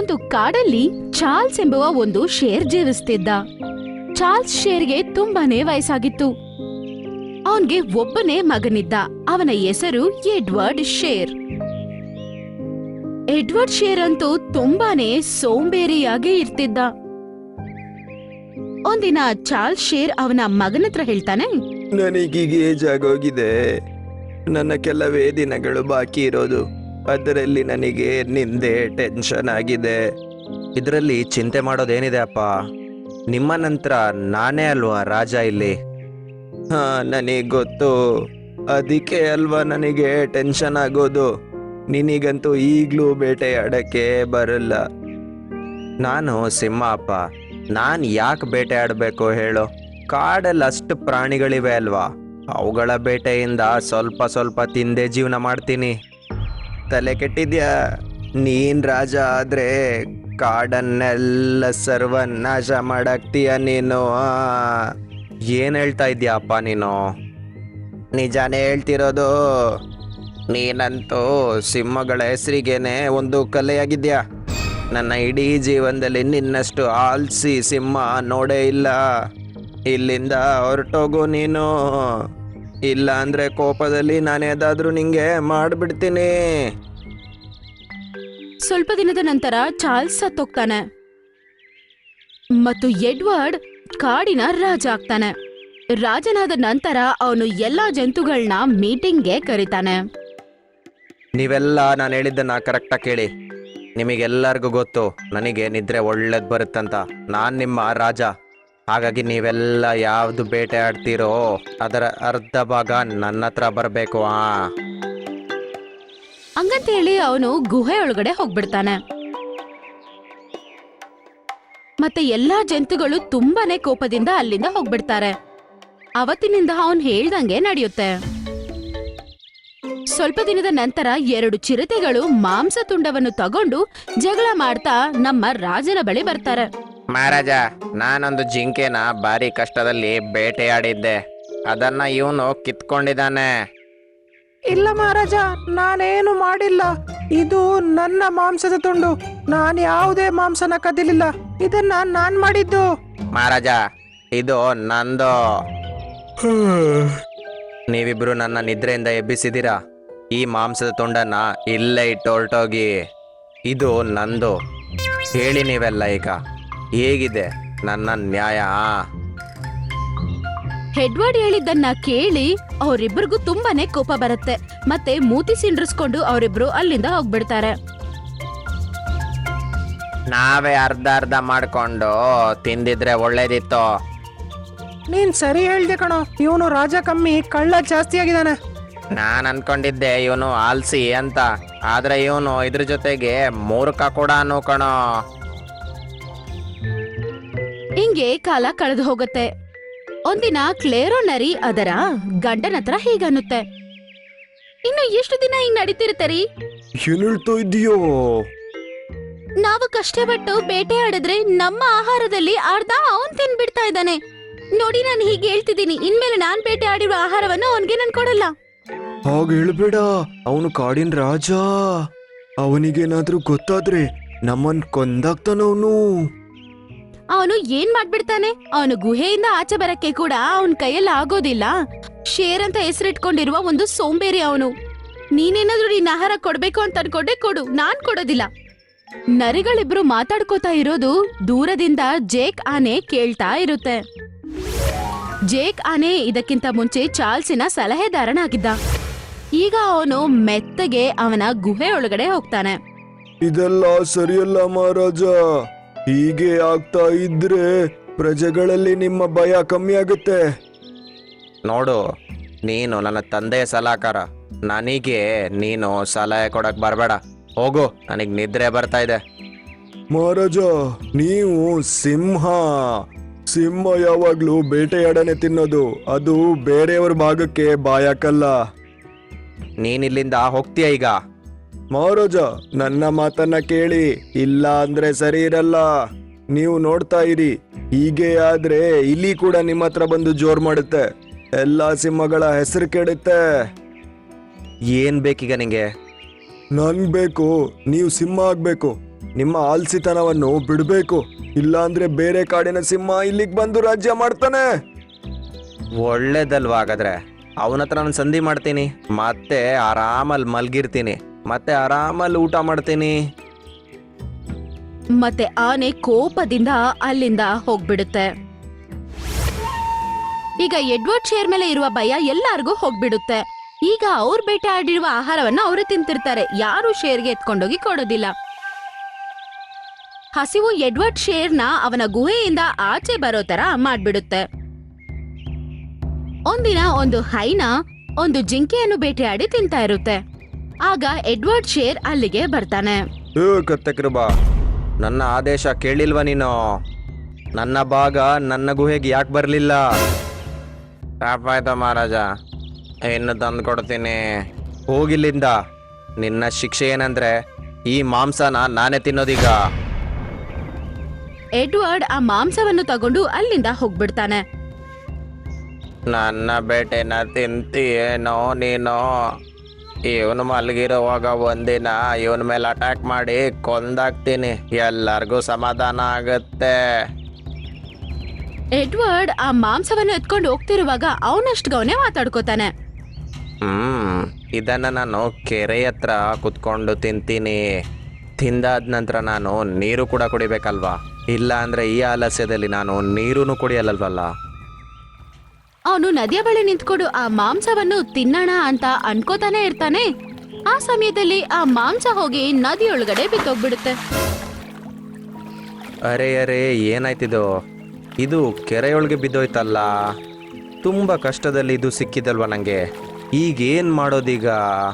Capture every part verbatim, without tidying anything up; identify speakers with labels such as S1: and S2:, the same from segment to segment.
S1: ಒಂದು ಕಾಡಲ್ಲಿ ಚಾರ್ಲ್ಸ್ ಎಂಬುವ ಒಂದು ಶೇರ್ ಜೀವಿಸ್ತಿದ್ದ. ಚಾರ್ಲ್ಸ್ ಶೇರ್ಗೆ ತುಂಬಾನೇ ವಯಸ್ಸಾಗಿತ್ತು. ಅವನ್ಗೆ ಒಬ್ಬನೇ ಮಗನಿದ್ದ. ಅವನ ಹೆಸರು ಎಡ್ವರ್ಡ್ ಶೇರ್. ಎಡ್ವರ್ಡ್ ಶೇರ್ ಅಂತೂ ತುಂಬಾನೇ ಸೋಂಬೇರಿಯಾಗಿ ಇರ್ತಿದ್ದ. ಒಂದಿನ ಚಾರ್ಲ್ಸ್ ಶೇರ್ ಅವನ ಮಗನ ಹತ್ರ ಹೇಳ್ತಾನೆ,
S2: ನನಗೀಗ ಏಜ್ ಆಗೋಗಿದೆ. ನನ್ನ ಕೆಲವೇ ದಿನಗಳು ಬಾಕಿ ಇರೋದು. ಅದರಲ್ಲಿ ನನಗೆ ನಿಂದೆ ಟೆನ್ಷನ್ ಆಗಿದೆ. ಇದರಲ್ಲಿ ಚಿಂತೆ ಮಾಡೋದೇನಿದೆ ಅಪ್ಪ? ನಿಮ್ಮ ನಂತರ ನಾನೇ ಅಲ್ವಾ ರಾಜ ಇಲ್ಲಿ. ಹಾ, ನನಗೆ ಗೊತ್ತು. ಅದಕ್ಕೆ ಅಲ್ವಾ ನನಗೆ ಟೆನ್ಷನ್ ಆಗೋದು. ನಿನಗಂತೂ ಈಗಲೂ ಬೇಟೆಯಾಡಕ್ಕೆ ಬರಲ್ಲ. ನಾನು ಸಿಂಹ ಅಪ್ಪ. ನಾನು ಯಾಕೆ ಬೇಟೆ ಆಡಬೇಕು ಹೇಳು? ಕಾಡಲ್ಲಿ ಅಷ್ಟು ಪ್ರಾಣಿಗಳಿವೆ ಅಲ್ವಾ, ಅವುಗಳ ಬೇಟೆಯಿಂದ ಸ್ವಲ್ಪ ಸ್ವಲ್ಪ ತಿಂದೇ ಜೀವನ ಮಾಡ್ತೀನಿ. ತಲೆ ಕೆಟ್ಟಿದ್ಯಾ? ನೀನ್ ರಾಜ ಆದ್ರೆ ಕಾಡನ್ನೆಲ್ಲ ಸರ್ವನಾಶ ಮಾಡಾಕ್ತೀಯ ನೀನು. ಏನ್ ಹೇಳ್ತಾ ಇದ್ಯಾ ಅಪ್ಪ ನೀನು? ನಿಜಾನೇ ಹೇಳ್ತಿರೋದು. ನೀನಂತೂ ಸಿಂಹಗಳ ಹೆಸರಿಗೇನೆ ಒಂದು ಕಲೆಯಾಗಿದ್ಯಾ. ನನ್ನ ಇಡೀ ಜೀವನದಲ್ಲಿ ನಿನ್ನಷ್ಟು ಆಲ್ಸಿ ಸಿಂಹ ನೋಡೇ ಇಲ್ಲ. ಇಲ್ಲಿಂದ ಹೊರಟೋಗು ನೀನು. ಇಲ್ಲ ಅಂದ್ರೆ ಕೋಪದಲ್ಲಿ ನಾನೇದಾದ್ರೂ ನಿಂಗೆ ಮಾಡ್ಬಿಡ್ತೀನಿ.
S1: ಸ್ವಲ್ಪ ದಿನದ ನಂತರ ಚಾರ್ಲ್ಸ್ ಸತ್ತೋಗ್ತಾನೆ ಮತ್ತು ಎಡ್ವರ್ಡ್ ಕಾಡಿನ ರಾಜ ಆಗ್ತಾನೆ. ರಾಜನಾದ ನಂತರ ಅವನು ಎಲ್ಲಾ ಜಂತುಗಳನ್ನ ಮೀಟಿಂಗ್ಗೆ ಕರೀತಾನೆ.
S2: ನೀವೆಲ್ಲ ನಾನು ಹೇಳಿದ್ದನ್ನ ಕರೆಕ್ಟಾಗಿ ಕೇಳಿ. ನಿಮಗೆಲ್ಲರಿಗೂ ಗೊತ್ತು ನನಗೆ ನಿದ್ರೆ ಒಳ್ಳೇದು ಬರುತ್ತಂತ. ನಾನು ನಿಮ್ಮ ರಾಜ. ಹಾಗಾಗಿ ನೀವೆಲ್ಲ ಯಾವ್ದು ಬೇಟೆ ಆಡ್ತೀರೋ ಅದರ ಅರ್ಧ ಭಾಗ ನನ್ನ ಹತ್ರ ಬರಬೇಕು. ಆ
S1: ಹಂಗಂತ ಹೇಳಿ ಅವನು ಗುಹೆ ಒಳಗಡೆ ಹೋಗ್ಬಿಡ್ತಾನೆ. ಮತ್ತೆ ಎಲ್ಲಾ ಜಂತುಗಳು ತುಂಬಾನೇ ಕೋಪದಿಂದ ಅಲ್ಲಿಂದ ಹೋಗ್ಬಿಡ್ತಾರೆ. ಅವತ್ತಿನಿಂದ ಅವನ್ ಹೇಳ್ದಂಗೆ ನಡೆಯುತ್ತೆ. ಸ್ವಲ್ಪ ದಿನದ ನಂತರ ಎರಡು ಚಿರತೆಗಳು ಮಾಂಸ ತುಂಡವನ್ನು ತಗೊಂಡು ಜಗಳ ಮಾಡ್ತಾ ನಮ್ಮ ರಾಜನ ಬಳಿ ಬರ್ತಾರೆ.
S2: ಮಹಾರಾಜ, ನಾನೊಂದು ಜಿಂಕೆನ ಭಾರಿ ಕಷ್ಟದಲ್ಲಿ ಬೇಟೆಯಾಡಿದ್ದೆ. ಅದನ್ನ ಇವನು ಕಿತ್ಕೊಂಡಿದ್ದಾನೆ.
S3: ಇಲ್ಲ ಮಹಾರಾಜ, ನಾನೇನು ಮಾಡಿಲ್ಲ. ಇದು ನನ್ನ ಮಾಂಸದ ತುಂಡು. ನಾನು ಯಾವುದೇ ಮಾಂಸನ ಕದಿಲಿಲ್ಲ. ಇದನ್ನ ನಾನ್ ಮಾಡಿದ್ದು.
S2: ಮಹಾರಾಜ, ಇದು ನಂದು. ನೀವಿಬ್ರು ನನ್ನ ನಿದ್ರೆಯಿಂದ ಎಬ್ಬಿಸಿದ್ದೀರಾ. ಈ ಮಾಂಸದ ತುಂಡನ್ನ ಇಲ್ಲೇ ಇಟ್ಟು ಹೊರಟೋಗಿ. ಇದು ನಂದು. ಹೇಳಿ ನೀವೆಲ್ಲ ಈಗ, ಹೇಗಿದೆ ನನ್ನ ನ್ಯಾಯ?
S1: ಎಡ್ವರ್ಡ್ ಹೇಳಿದ್ದನ್ನ ಕೇಳಿ ಅವರಿಬ್ಬರಿಗೂ ತುಂಬಾನೇ ಕೋಪ ಬರುತ್ತೆ. ಮತ್ತೆ ಮೂತಿ ಸಿಂಡ್ರಿಸ್ಕೊಂಡು ಅವರಿಬ್ರು ಅಲ್ಲಿಂದ ಹೋಗ್ಬಿಡ್ತಾರೆ.
S2: ನಾವೇ ಅರ್ಧ ಅರ್ಧ ಮಾಡ್ಕೊಂಡು ತಿಂದಿದ್ರೆ ಒಳ್ಳೇದಿತ್ತು.
S3: ನೀನ್ ಸರಿ ಹೇಳ್ದೆ ಕಣೋ. ಇವನು ರಾಜ ಕಮ್ಮಿ, ಕಳ್ಳ ಜಾಸ್ತಿ ಆಗಿದ್ದಾನೆ.
S2: ನಾನು ಅನ್ಕೊಂಡಿದ್ದೆ ಇವನು ಆಲ್ಸಿ ಅಂತ. ಆದ್ರೆ ಇವನು ಇದ್ರ ಜೊತೆಗೆ ಮೂರ್ಖ ಕೂಡ ಕಣೋ.
S1: ಹಿಂಗೆ ಕಾಲ ಕಳೆದು ಹೋಗುತ್ತೆ. ಒಂದಿನ ಕ್ಲೇರೋ ನರಿ ಅದರ ಗಂಡನ ಹತ್ರ ಹೀಗನ್ನುತ್ತೆ, ಇನ್ನು ಎಷ್ಟು ದಿನ ಹಿಂಗ್ ನಡೀತಿರ್ತೀರಿ?
S2: ಏನ್ ಹೇಳ್ತಾ ಇದೀಯೋ?
S1: ನಾವು ಕಷ್ಟಪಟ್ಟು ಬೇಟೆ ಆಡಿದ್ರೆ ನಮ್ಮ ಆಹಾರದಲ್ಲಿ ಅರ್ಧ ಅವನ್ ತಿನ್ಬಿಡ್ತಾ ಇದ್ದಾನೆ. ನೋಡಿ, ನಾನು ಹೀಗೆ ಹೇಳ್ತಿದ್ದೀನಿ. ಇನ್ಮೇಲೆ ನಾನ್ ಬೇಟೆ ಆಡಿರೋ ಆಹಾರವನ್ನು ಅವನ್ಗೆ ನನ್ ಕೊಡಲ್ಲ.
S2: ಹಾಗ ಹೇಳ್ಬೇಡ. ಅವನು ಕಾಡಿನ ರಾಜ. ಅವನಿಗೇನಾದ್ರೂ ಗೊತ್ತಾದ್ರೆ ನಮ್ಮನ್ ಕೊಂದಾಗ್ತಾನವನು.
S1: ಅವನು ಏನ್ ಮಾಡ್ಬಿಡ್ತಾನೆ? ಅವನು ಗುಹೆಯಿಂದ ಆಚೆ ಬರಕ್ಕೆ ಕೂಡ ಅವನ್ ಕೈಯಲ್ಲಿ ಆಗೋದಿಲ್ಲ. ಶೇರ್ ಅಂತ ಹೆಸರಿಟ್ಕೊಂಡಿರುವ ಒಂದು ಸೋಂಬೇರಿ ಅವನು. ನೀನೇನಾದ್ರೂ ನಿನ್ನ ಆಹಾರ ಕೊಡ್ಬೇಕು ಅಂತ ಅನ್ಕೊಂಡೆ ಕೊಡು, ನಾನ್ ಕೊಡೋದಿಲ್ಲ. ನರಿಗಳಿಬ್ರು ಮಾತಾಡ್ಕೋತಾ ಇರೋದು ದೂರದಿಂದ ಜೇಕ್ ಆನೆ ಕೇಳ್ತಾ ಇರುತ್ತೆ. ಜೇಕ್ ಆನೆ ಇದಕ್ಕಿಂತ ಮುಂಚೆ ಚಾರ್ಲ್ಸಿನ ಸಲಹೆದಾರನಾಗಿದ್ದ. ಈಗ ಅವನು ಮೆತ್ತಗೆ ಅವನ ಗುಹೆ ಒಳಗಡೆ ಹೋಗ್ತಾನೆ.
S2: ಇದೆಲ್ಲ ಸರಿಯಲ್ಲ ಮಹಾರಾಜ. ಹೀಗೆ ಆಗ್ತಾ ಇದ್ರೆ ಪ್ರಜೆಗಳಲ್ಲಿ ನಿಮ್ಮ ಭಯ ಕಮ್ಮಿ ಆಗುತ್ತೆ. ನೋಡು, ನೀನು ನನ್ನ ತಂದೆಯ ಸಲಹೆಗಾರ. ನನಗೆ ನೀನು ಸಲಹೆ ಕೊಡಕ್ ಬರಬೇಡ. ಹೋಗು, ನನಗೆ ನಿದ್ರೆ ಬರ್ತಾ ಇದೆ. ಮಹಾರಾಜ, ನೀವು ಸಿಂಹ. ಸಿಂಹ ಯಾವಾಗ್ಲೂ ಬೇಟೆಯಾಡನೆ ತಿನ್ನೋದು. ಅದು ಬೇರೆಯವ್ರ ಭಾಗಕ್ಕೆ ಬಾಯಾಕಲ್ಲ. ನೀನಿಲ್ಲಿಂದ ಹೋಗ್ತೀಯ ಈಗ? ಮಹಾರಾಜ, ನನ್ನ ಮಾತನ್ನ ಕೇಳಿ. ಇಲ್ಲ ಅಂದ್ರೆ ಸರಿ ಇರಲ್ಲ. ನೀವು ನೋಡ್ತಾ ಇರಿ. ಹೀಗೆ ಆದ್ರೆ ಇಲ್ಲಿ ಕೂಡ ನಿಮ್ಮ ಹತ್ರ ಬಂದು ಜೋರ್ ಮಾಡುತ್ತೆ. ಎಲ್ಲಾ ಸಿಂಹಗಳ ಹೆಸರು ಕೆಡುತ್ತೆ. ಏನ್ ಬೇಕೀಗ ನಿಂಗೆ? ನನ್ ಬೇಕು ನೀವು ಸಿಂಹ ಆಗ್ಬೇಕು. ನಿಮ್ಮ ಆಲ್ಸಿತನವನ್ನು ಬಿಡಬೇಕು, ಇಲ್ಲಾಂದ್ರೆ ಬೇರೆ ಕಾಡಿನ ಸಿಂಹ ಇಲ್ಲಿಗೆ ಬಂದು ರಾಜ್ಯ ಮಾಡ್ತಾನೆ. ಒಳ್ಳೇದಲ್ವಾ ಹಾಗಾದ್ರೆ, ಅವನ ಹತ್ರ ನಾನು ಸಂಧಿ ಮಾಡ್ತೀನಿ, ಮತ್ತೆ ಆರಾಮಲ್ಲಿ ಮಲ್ಗಿರ್ತೀನಿ, ಮತ್ತೆ ಆರಾಮಲ್ಲಿ ಊಟ ಮಾಡ್ತೀನಿ.
S1: ಮತ್ತೆ ಆನೆ ಕೋಪದಿಂದ ಅಲ್ಲಿಂದ ಹೋಗ್ಬಿಡುತ್ತೆ. ಈಗ ಎಡ್ವರ್ಡ್ ಶೇರ್ ಮೇಲೆ ಇರುವ ಭಯ ಎಲ್ಲಾರ್ಗೂ ಹೋಗ್ಬಿಡುತ್ತೆ. ಈಗ ಅವ್ರ ಬೇಟೆ ಆಡಿರುವ ಆಹಾರವನ್ನ ಅವರೇ ತಿಂತಿರ್ತಾರೆ, ಯಾರು ಶೇರ್ಗೆ ಎತ್ಕೊಂಡೋಗಿ ಕೊಡೋದಿಲ್ಲ. ಹಸಿವು ಎಡ್ವರ್ಡ್ ಶೇರ್ನ ಅವನ ಗುಹೆಯಿಂದ ಆಚೆ ಬರೋ ತರ ಮಾಡ್ಬಿಡುತ್ತೆ. ಒಂದಿನ ಒಂದು ಹೈನ ಒಂದು ಜಿಂಕೆಯನ್ನು ಬೇಟೆಯಾಡಿ ತಿಂತಾ ಇರುತ್ತೆ. ಆಗ ಎಡ್ವರ್ಡ್ ಶೇರ್ ಅಲ್ಲಿಗೆ ಬರ್ತಾನೆ.
S2: ಏ ಕತ್ತೆಕೃಬ, ನನ್ನ ಆದೇಶ ಕೇಳಿಲ್ವಾ ನೀನು? ನನ್ನ ಭಾಗ ನನ್ನ ಗುಹೆಗೆ ಯಾಕೆ ಬರಲಿಲ್ಲ? ತಪ್ಪಾಯ್ತು ಮಹಾರಾಜ, ಇನ್ನು ತಂದು ಕೊಡ್ತೀನಿ, ಹೋಗಿಲ್ಲಿಂದ. ನಿನ್ನ ಶಿಕ್ಷೆ ಏನಂದ್ರೆ ಈ ಮಾಂಸನ ನಾನೇ ತಿನ್ನೋದೀಗ.
S1: ಎಡ್ವರ್ಡ್ ಆ ಮಾಂಸವನ್ನು ತಗೊಂಡು ಅಲ್ಲಿಂದ ಹೋಗ್ಬಿಡ್ತಾನೆ.
S2: ನನ್ನ ಬೇಟೆನ ತಿಂತೀಯೇನೋ ನೀನು? ಇವನು ಮಲಗಿರುವಾಗ ಒಂದಿನ ಇವನ ಮೇಲೆ ಅಟ್ಯಾಕ್ ಮಾಡಿ ಕೊಂದಾಕ್ತೀನಿ, ಎಲ್ಲರಿಗೂ ಸಮಾಧಾನ ಆಗುತ್ತೆ.
S1: ಎಡ್ವರ್ಡ್ ಆ ಮಾಂಸವನ್ನು ಎತ್ಕೊಂಡು ಹೋಗ್ತಿರುವಾಗ ಅವನಷ್ಟಗವನೇ ಮಾತಾಡ್ಕೋತಾನೆ.
S2: ಹ್ಮ್ ಇದನ್ನ ನಾನು ಕೆರೆ ಹತ್ರ ಕುತ್ಕೊಂಡು ತಿಂತೀನಿ. ತಿಂದಾದ ನಂತರ ನಾನು ನೀರು ಕೂಡ ಕುಡಿಬೇಕಲ್ವಾ? ಇಲ್ಲ ಅಂದ್ರೆ ಈ ಆಲಸ್ಯದಲ್ಲಿ ನಾನು ನೀರನ್ನು ಕುಡಿಯಲ್ಲಲ್ವಲ್ಲ.
S1: ಅವನು ನದಿಯ ಬಳಿ ನಿಂತ್ಕೊಂಡು ಆ ಮಾಂಸವನ್ನು ತಿನ್ನೋಣ ಅಂತ ಅನ್ಕೋತಾನೆ ಇರ್ತಾನೆ. ಆ ಸಮಯದಲ್ಲಿ ಆ ಮಾಂಸ ಹೋಗಿ ನದಿಯೊಳಗಡೆ ಬಿತ್ತೋಗ್ಬಿಡುತ್ತೆ.
S2: ಅರೆ ಅರೆ ಏನಾಯ್ತಿದು? ಇದು ಕೆರೆಯೊಳಗೆ ಬಿದ್ದೋಯ್ತಲ್ಲ. ತುಂಬ ಕಷ್ಟದಲ್ಲಿ ಇದು ಸಿಕ್ಕಿದಲ್ವ ನನಗೆ, ಈಗೇನು ಮಾಡೋದೀಗ?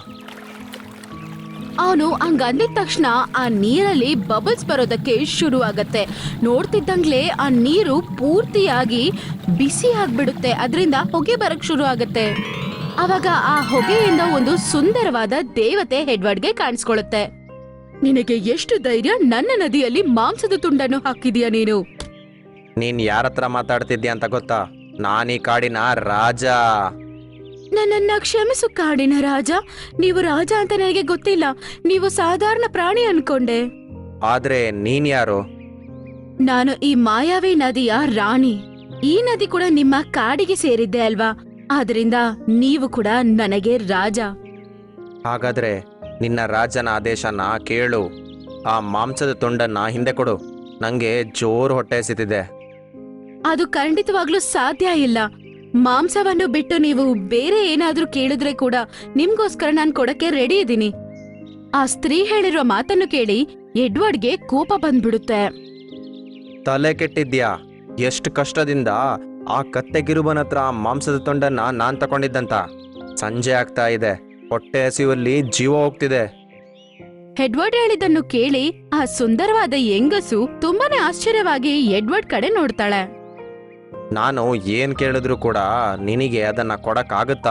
S1: ಅವನು ಹಂಗಂದಿದ ತಕ್ಷಣ ಆ ನೀರಲ್ಲಿ ಬಬಲ್ಸ್ ಬರೋದಕ್ಕೆ ಶುರು ಆಗತ್ತೆ. ನೋಡ್ತಿದ್ದಂಗ್ಲೇ ಆ ನೀರು ಪೂರ್ತಿಯಾಗಿ ಬಿಸಿ ಆಗ್ಬಿಡುತ್ತೆ, ಅದರಿಂದ ಹೊಗೆ ಬರಕ್ ಶುರು ಆಗತ್ತೆ. ಅವಾಗ ಆ ಹೊಗೆಯಿಂದ ಒಂದು ಸುಂದರವಾದ ದೇವತೆ ಎಡ್ವರ್ಡ್ಗೆ ಕಾಣಿಸ್ಕೊಳ್ಳುತ್ತೆ. ನಿನಗೆ ಎಷ್ಟು ಧೈರ್ಯ ನನ್ನ ನದಿಯಲ್ಲಿ ಮಾಂಸದ ತುಂಡನ್ನು ಹಾಕಿದೀಯ ನೀನು?
S2: ನೀನು ಯಾರ ಹತ್ರ ಮಾತಾಡ್ತಿದ್ಯಾ ಅಂತ ಗೊತ್ತಾ? ನಾನೀ ಕಾಡಿನ ರಾಜ.
S1: ನನ್ನನ್ನ ಕ್ಷಮಿಸು ಕಾಡಿನ ರಾಜ. ನೀವು ರಾಜ ಅಂತ ನನಗೆ ಗೊತ್ತಿಲ್ಲ, ನೀವು ಸಾಧಾರಣ ಪ್ರಾಣಿ ಅನ್ಕೊಂಡೆ.
S2: ಆದ್ರೆ ನೀನ್ ಯಾರು?
S1: ನಾನು ಈ ಮಾಯಾವಿ ನದಿಯ ರಾಣಿ. ಈ ನದಿ ಕೂಡ ನಿಮ್ಮ ಕಾಡಿಗೆ ಸೇರಿದ್ದೆ ಅಲ್ವಾ, ಆದ್ರಿಂದ ನೀವು ಕೂಡ ನನಗೆ ರಾಜ.
S2: ಹಾಗಾದ್ರೆ ನಿನ್ನ ರಾಜನ ಆದೇಶನ ಕೇಳು. ಆ ಮಾಂಸದ ತುಂಡನ್ನ ಹಿಂದೆ ಕೊಡು, ನಂಗೆ ಜೋರು ಹೊಟ್ಟೆ ಹಸಿತಿದೆ.
S1: ಅದು ಖಂಡಿತವಾಗ್ಲೂ ಸಾಧ್ಯ ಇಲ್ಲ. ಮಾಂಸವನ್ನು ಬಿಟ್ಟು ನೀವು ಬೇರೆ ಏನಾದ್ರೂ ಕೇಳಿದ್ರೆ ಕೂಡ ನಿಮ್ಗೋಸ್ಕರ ನಾನ್ ಕೊಡಕ್ಕೆ ರೆಡಿ ಇದ್ದೀನಿ. ಆ ಸ್ತ್ರೀ ಹೇಳಿರೋ ಮಾತನ್ನು ಕೇಳಿ ಎಡ್ವರ್ಡ್ಗೆ ಕೋಪ ಬಂದ್ಬಿಡುತ್ತೆ.
S2: ತಲೆ ಕೆಟ್ಟಿದ್ಯಾ? ಎಷ್ಟು ಕಷ್ಟದಿಂದ ಆ ಕತ್ತೆಗಿರುಬನ ಹತ್ರ ಆ ಮಾಂಸದ ತುಂಡನ್ನ ನಾನ್ ತಗೊಂಡಿದ್ದಂತ. ಸಂಜೆ ಆಗ್ತಾ ಇದೆ, ಹೊಟ್ಟೆ ಹಸಿವಲ್ಲಿ ಜೀವ ಹೋಗ್ತಿದೆ.
S1: ಎಡ್ವರ್ಡ್ ಹೇಳಿದ್ದನ್ನು ಕೇಳಿ ಆ ಸುಂದರವಾದ ಹೆಂಗಸು ತುಂಬಾನೇ ಆಶ್ಚರ್ಯವಾಗಿ ಎಡ್ವರ್ಡ್ ಕಡೆ ನೋಡ್ತಾಳೆ.
S2: ನಾನು ಏನ್ ಕೇಳಿದ್ರು ಕೂಡ ನಿನಗೆ ಅದನ್ನ ಕೊಡಕ್ಕಾಗತ್ತಾ?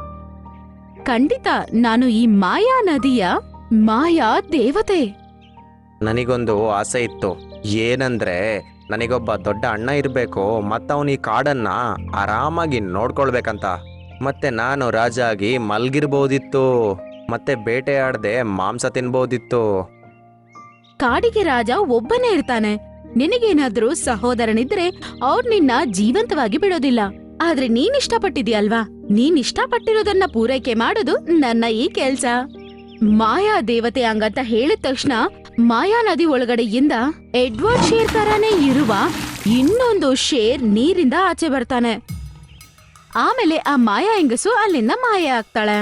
S1: ಖಂಡಿತ, ನಾನು ಈ ಮಾಯಾ ನದಿಯ ಮಾಯಾ ದೇವತೆ.
S2: ನನಗೊಂದು ಆಸೆ ಇತ್ತು, ಏನಂದ್ರೆ ನನಗೊಬ್ಬ ದೊಡ್ಡ ಅಣ್ಣ ಇರಬೇಕು, ಮತ್ತವನು ಈ ಕಾಡನ್ನ ಆರಾಮಾಗಿ ನೋಡ್ಕೊಳ್ಬೇಕಂತ. ಮತ್ತೆ ನಾನು ರಾಜ ಆಗಿ ಮಲ್ಗಿರ್ಬೋದಿತ್ತು, ಮತ್ತೆ ಬೇಟೆಯಾಡದೆ ಮಾಂಸ ತಿನ್ಬೋದಿತ್ತು.
S1: ಕಾಡಿಗೆ ರಾಜ ಒಬ್ಬನೇ ಇರ್ತಾನೆ. ನಿನಗೇನಾದ್ರೂ ಸಹೋದರನಿದ್ರೆ ಅವ್ರು ನಿನ್ನ ಜೀವಂತವಾಗಿ ಬಿಡೋದಿಲ್ಲ. ಆದ್ರೆ ನೀನ್ ಇಷ್ಟಪಟ್ಟಿದ್ಯಲ್ವಾ, ನೀನ್ ಇಷ್ಟಪಟ್ಟಿರೋದನ್ನ ಪೂರೈಕೆ ಮಾಡೋದು ನನ್ನ ಈ ಕೆಲ್ಸ. ಮಾಯಾ ದೇವತೆ ಹಂಗಂತ ಹೇಳಿದ ತಕ್ಷಣ ಮಾಯಾ ನದಿ ಒಳಗಡೆಯಿಂದ ಎಡ್ವರ್ಡ್ ಶೇರ್ ತರಾನೇ ಇರುವ ಇನ್ನೊಂದು ಶೇರ್ ನೀರಿಂದ ಆಚೆ ಬರ್ತಾನೆ. ಆಮೇಲೆ ಆ ಮಾಯಾ ಹೆಂಗಸು ಅಲ್ಲಿಂದ ಮಾಯ ಆಗ್ತಾಳೆ.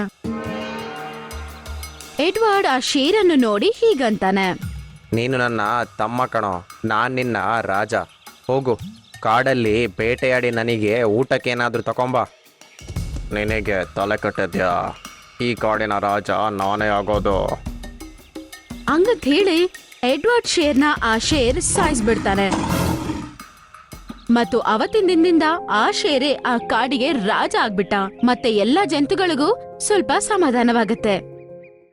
S1: ಎಡ್ವರ್ಡ್ ಆ ಶೇರನ್ನು ನೋಡಿ ಹೀಗಂತಾನೆ,
S2: ನೀನು ನನ್ನ ತಮ್ಮ ಕಣೋ, ನಾನ್ ನಿನ್ನ ರಾಜ. ಹೋಗು, ಕಾಡಲ್ಲಿ ಬೇಟೆಯಾಡಿ ನನಗೆ ಊಟಕ್ಕೇನಾದ್ರೂ ತಗೊಂಬ. ನಿನಗೆ ತಲೆ ಕಟ್ಟಿದ್ಯಾ? ಈ ಕಾಡಿನ ರಾಜ ನಾನೇ ಆಗೋದು.
S1: ಹಂಗಂತ ಹೇಳಿ ಎಡ್ವರ್ಡ್ ಶೇರ್ನ ಆ ಶೇರ್ ಸಾಯಿಸ್ಬಿಡ್ತಾನೆ. ಮತ್ತು ಅವತ್ತಿನ ದಿನದಿಂದ ಆ ಶೇರೆ ಆ ಕಾಡಿಗೆ ರಾಜ ಆಗ್ಬಿಟ್ಟ. ಮತ್ತೆ ಎಲ್ಲಾ ಜಂತುಗಳಿಗೂ ಸ್ವಲ್ಪ ಸಮಾಧಾನವಾಗತ್ತೆ.